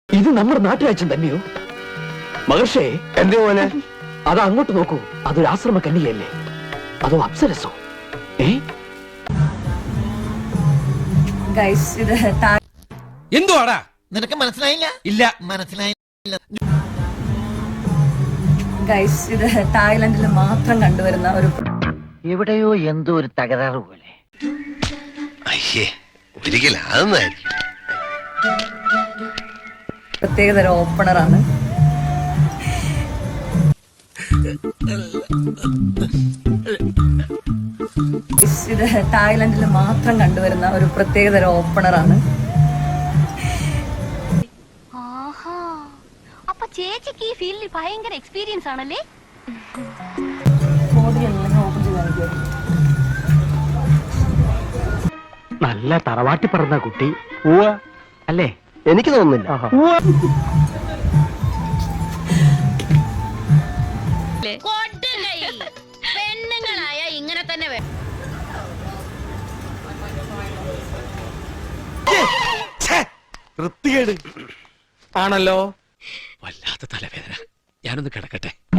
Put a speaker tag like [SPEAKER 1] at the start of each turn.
[SPEAKER 1] ഇത് നമ്മുടെ നാട്ടുരാജ്യം തന്നെയോ? മഹർഷേ,
[SPEAKER 2] എന്തേ മോനെ?
[SPEAKER 1] അത് അങ്ങോട്ട് നോക്കൂ. അതൊരു ആശ്രമ കന്യകയല്ലേ? അതോ അപ്സരസോ?
[SPEAKER 3] എന്തുവാടാ?
[SPEAKER 4] നിനക്ക് മനസ്സിലായില്ല?
[SPEAKER 3] ഇല്ല,
[SPEAKER 4] മനസ്സിലായില്ല.
[SPEAKER 5] ഗൈസ്, ഇത് തായ്ലൻഡിൽ മാത്രം കണ്ടുവരുന്ന ഒരു
[SPEAKER 6] എവിടെയോ എന്തോ ഒരു തകരാറ് പോലെ.
[SPEAKER 2] അയ്യേ, ഒരിക്കലും അതൊന്നായിരിക്കും.
[SPEAKER 5] പ്രത്യേകതരം ഓപ്പണറാണ്. ഇത് തായ്ലൻഡിൽ മാത്രം കണ്ടുവരുന്ന ഒരു പ്രത്യേകതരം ഓപ്പണറാണ്.
[SPEAKER 7] അപ്പൊ ചേച്ചിക്ക് ഈ ഫീൽഡിൽ ഭയങ്കര എക്സ്പീരിയൻസ് ആണല്ലേ?
[SPEAKER 1] നല്ല തറവാട്ടി പറഞ്ഞ കുട്ടി അല്ലേ?
[SPEAKER 2] എനിക്ക് തോന്നുന്നില്ല.
[SPEAKER 7] പെണ്ണുങ്ങളായ ഇങ്ങനെ തന്നെ
[SPEAKER 3] വൃത്തികേട്
[SPEAKER 1] ആണല്ലോ.
[SPEAKER 3] വല്ലാത്ത തലവേദന. ഞാനൊന്ന് കിടക്കട്ടെ.